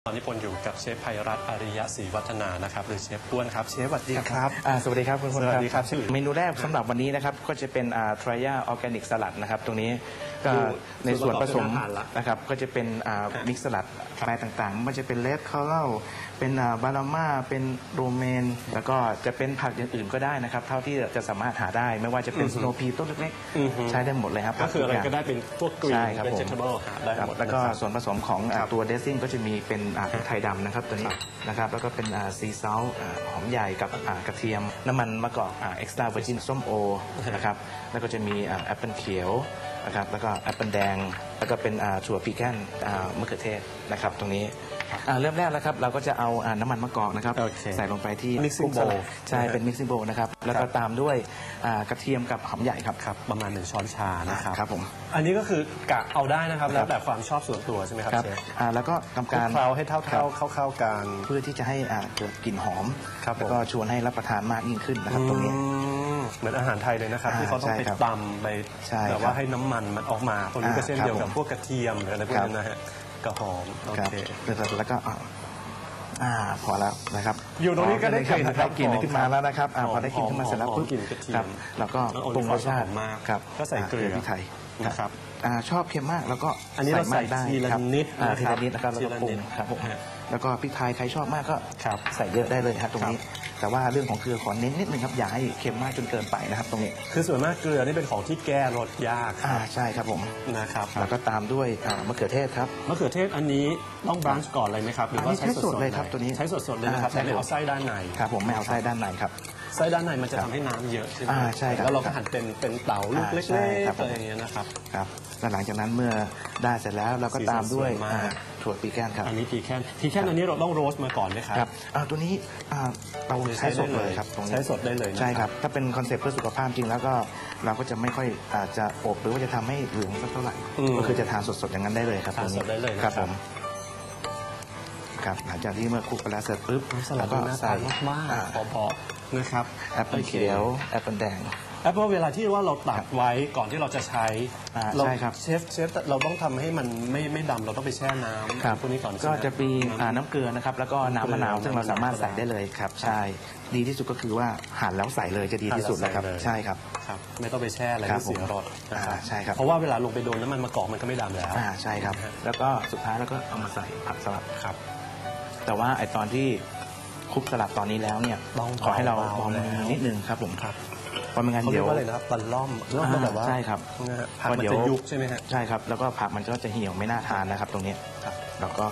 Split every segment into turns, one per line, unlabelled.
ตอนนี้พลอยู่กับเชฟไพรัตน์อริยศรีวัฒนานะครับหรือเชฟอ้วนครับเชฟสวัสดีครับ
สวัสดีครับคุณพล
สวัสดีครับ
เมนูแรกสำหรับวันนี้นะครับก็จะเป็นทริยาออร์แกนิกสลัดนะครับตรงนี้ก็ในส่วนผสมนะครับก็จะเป็นมิกซ์สลัดอะไรต่างๆมันจะเป็นเลดคอรัลเป็นบาราม่าเป็นโรเมนแล้วก็จะเป็นผักอย่างอื่นก็ได้นะครับเท่าที่จะสามารถหาได้ไม่ว่าจะเป็นสโนว์พีต้นเล็กๆใช้ได้หมดเลยครับ
ก็คืออะไรก็ได้เป็นพวกกรีน
เป็น
vegetable หาได้หมด
แล้วก็ส่วนผสมของตัวเดซซิ่งก็จะมีเป็นพริกไทยดำนะครับตัวนี้นะครับแล้วก็เป็นซีซอลหอมใหญ่กับกระเทียมน้ำมันมะกอกเอ็กซ์ตร้าเวอร์จินส้มโอนะครับแล้วก็จะมีแอปเปิลเขียวนะครับแล้วก็แอปเปิลแดงแล้วก็เป็นถั่วพีแคนมะเขือเทศนะครับตรงนี้เริ่มแรกแล้วครับเราก็จะเอาน้ำมันมะกอกนะครับใส่ลงไปที่
mixing bowl
ใช่เป็น mixing bowl นะครับแล้วก็ตามด้วยกระเทียมกับหอมใหญ่ครับ
ประมาณ1 ช้อนชานะครับ
ครับผม
อันนี้ก็คือกะเอาได้นะครับแล้วแต่ความชอบส่วนตัวใช่ไหมครับเชฟ
แล้วก็ทำการ
เคล้าให้เข้ากัน
เพื่อที่จะให้เกิดกลิ่นหอมแล้วก็ชวนให้รับประทานมากยิ่งขึ้นนะครับตรงนี้
เหมือนอาหารไทยเลยนะครับที่เขาต้องไปตำไปแบบว่าให้น้ำมันมันออกมาตรงนี้ก็เช่นเดียวกับพวกกระเทียมหรืออะไรพวกนั้นนะฮะกระหอมโอเค
แล้วก็พอแล้วนะครับ
อยู่ตรงนี้ก็ได้กลิ่น
ขึ้นมาแล้วนะครับพอได้กลิ่นขึ้นมาเสร็จแล้วปุ๊บครับแล้วก็ปรุงรสชาติครับ
ก็ใส่เกลือ
พริกไทย
นะครับ
ชอบเค็มมากแล้วก็
อันนี้เราใส่ทีละนิด
นะครับแล้วก็ปรุงครับแล้วก็พริกไทยใครชอบมากก็ใส่เยอะได้เลยครับตรงนี้แต่ว่าเรื่องของเกลือขอเน้นนิดนึงครับอย่าให้เค็มมากจนเกินไปนะครับตรงนี้
คือส่วนมากเกลือนี่เป็นของที่แก้รสยาก
ใช่ครับผม
นะครับ
แล้วก็ตามด้วยมะเขือเทศครับ
มะเขือเทศอันนี้ต้องบรันช์ก่อนเลยไหมครับหรือว่าใช้สด
เลยครับตัวนี้
ใช้สดเลยนะครับแต่ไม่เอาไส้ด้านใน
ครับผมไม่เอาไส้ด้านในครับ
ไส้ด้านในมันจะทำให้น้ำเยอะใช่ไหม
ใช่ครับ
แล้วเราก็หั่นเป็นเต๋าลูกเล็กๆอะไรอย่างเงี้ยนะครับ
ครับแล้วหลังจากนั้นเมื่อได้เสร็จแล้วเราก็ตามด้วยถั่วปีแกนครับ
อันนี้ปีแคนอันนี้เราต้องโรสมาก่อนไหมครับ
ตัวนี้เราใช้สดเลยครับ
ใช้สดได้เลย
ใช่ครับถ้าเป็นคอนเซ็ปต์เพื่อสุขภาพจริงแล้วก็เราก็จะไม่ค่อยจะอบหรือว่าจะทำให้เหลืองสักเท่าไหร่ก็คือจะทานสดๆอย่างนั้นได้เลยครับ
ทานสดได้เลย
ครับผมครับหลังจากที่เมื่อคลุกไปแล้วเสร็จปุ๊บ
แล้วก็ใส่มากๆพอๆนะครับ
แอปเปิลเขียวแอปเปิลแดง
แอปเปิลเวลาที่ว่าเราตัดไว้ก่อนที่เราจะใช้
ใช่ครับ
เชฟเราต้องทำให้มันไม่ดำเราต้องไปแช่น้ำพวกนี้ก่อน
ก็จะมีน้ำเกลือนะครับแล้วก็น้ำมะนาวซึ่งเราสามารถใส่ได้เลยครับใช่ดีที่สุดก็คือว่าหั่นแล้วใส่เลยจะดีที่สุดเลยครับใช่ครับ
ไม่ต้องไปแช่อะไรที่เสียรส
ใช่ครับ
เพราะว่าเวลาลงไปโดนน้ำมันมะกอกมันก็ไม่ดำแล้ว
ใช่ครับแล้วก็สุดท้ายแล้วก็เอามาใส่ผักสลัด
ครับ
แต่ว่าไอตอนที่คลุกสลัดตอนนี้แล้วเนี่ยขอให้เรามองนิดนึงครับผม
ครับ
เพราะไม่งั้นเดี๋ยว
อะไรนะครับตะล่อมแบบว่า
ใช่ครับ
ผักมันจะยุบใช่ไหมฮะ
ใช่ครับแล้วก็ผักมันก็จะเหี่ยวไม่น่าทานนะครับตรงนี้เราก็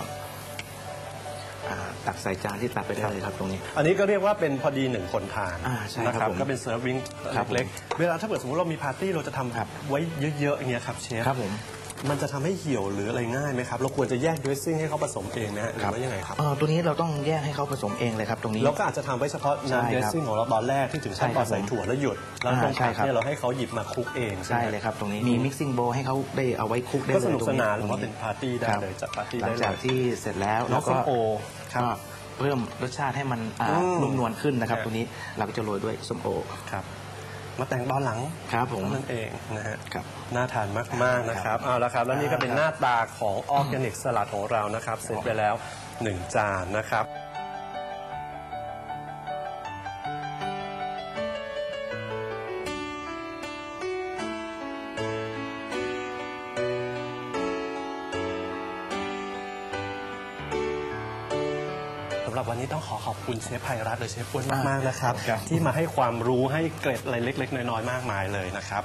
ตักใส่จานที่ตักไปได้เลยครับตรงนี้
อันนี้ก็เรียกว่าเป็นพอดี1 คนทาน
นะครับ
ก็เป็นเซิร์ฟวิ่งเล็กๆเวลาถ้าเกิดสมมติเรามีปาร์ตี้เราจะทำไว้เยอะๆอย่างเงี้ยครับเชฟ
ครับผม
มันจะทำให้เหี่ยวหรืออะไรง่ายไหมครับเราควรจะแยกดรสซิ่งให้เขาผสมเองนะหรือว่ายังไงครับ
ตัวนี้เราต้องแยกให้เขาผสมเองเลยครับตรงนี้
เราก็อาจจะทำไว้เฉพาะน้ำดรสซิ่งของเราตอนแรกที่ถึงขั้นตอนใส่ถั่วแล้วหยุดแล้วตรงกลางเนี่ยเราให้เขาหยิบมาคลุกเอง
ใช่เลยครับตรงนี้มีมิกซิ่งโบว์ให้เขาได้เอาไว้คลุกได้เลย
ก็สนุกสนานหรือว่าเป็นปาร์ตี้ได้เลยจัดปาร์ตี้ได้เลย
หลังจากที่เสร็จแล้วเราก็ก็เพิ่มรสชาติให้มันนุ่มนวลขึ้นนะครับตรงนี้เราก็จะโรยด้วยส้มโอ
ครับมาแต่งตอนหลัง
ครับผม
นั่นเองนะฮะน่าทานมากๆนะครับเอาละครับแล้วนี่ก็เป็นหน้าตาของออร์แกนิกสลัดของเรานะครับเสร็จไปแล้ว1 จานนะครับสำหรับวันนี้ต้องขอบคุณเชฟไพรัตน์หรือเชฟอ้วนมากๆนะครับที่มาให้ความรู้ให้เกร็ดอะไรเล็กๆน้อยๆมากมายเลยนะครับ